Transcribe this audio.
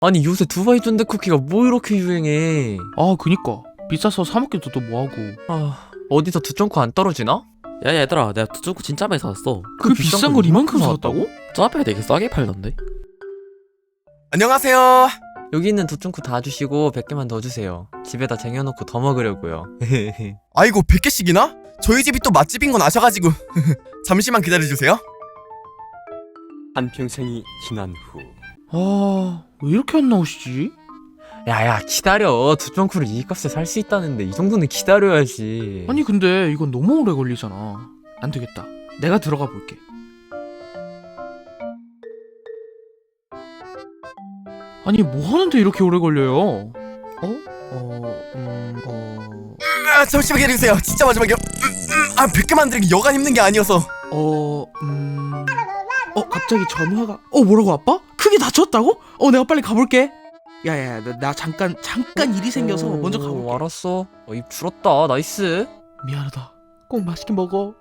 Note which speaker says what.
Speaker 1: 아니 요새 두바이 존댓 쿠키가 뭐 이렇게 유행해.
Speaker 2: 아 그니까 비싸서 사 먹기도 또 뭐하고.
Speaker 1: 아 어디서 두쫑코 안 떨어지나?
Speaker 3: 야 얘들아, 내가 두쭈구 진짜 많이 사왔어.
Speaker 2: 그 비싼 걸 이만큼 사왔다고?
Speaker 3: 저 앞에 되게 싸게 팔던데?
Speaker 4: 안녕하세요.
Speaker 1: 여기 있는 두쫑코 다 주시고 100개만 더 주세요. 집에다 쟁여놓고 더 먹으려고요.
Speaker 4: 아이고 100개씩이나? 저희 집이 또 맛집인 건 아셔가지고 잠시만 기다려주세요.
Speaker 5: 한평생이 지난 후
Speaker 2: 아 왜 이렇게 안 나오시지?
Speaker 1: 야야 기다려. 두쫑코를 이 값에 살 수 있다는데 이 정도는 기다려야지.
Speaker 2: 아니 근데 이건 너무 오래 걸리잖아. 안 되겠다. 내가 들어가 볼게. 아니 뭐 하는데 이렇게 오래 걸려요?
Speaker 4: 잠시만 기다려주세요. 진짜 마지막이요. 100개 만들기 여간 힘든 게 아니어서.
Speaker 2: 갑자기 전화가 뭐라고 아빠? 크게 다쳤다고? 내가 빨리 가볼게. 야야 나 잠깐 일이 생겨서 먼저 가볼게.
Speaker 1: 알았어. 입 줄었다. 나이스.
Speaker 2: 미안하다. 꼭 맛있게 먹어.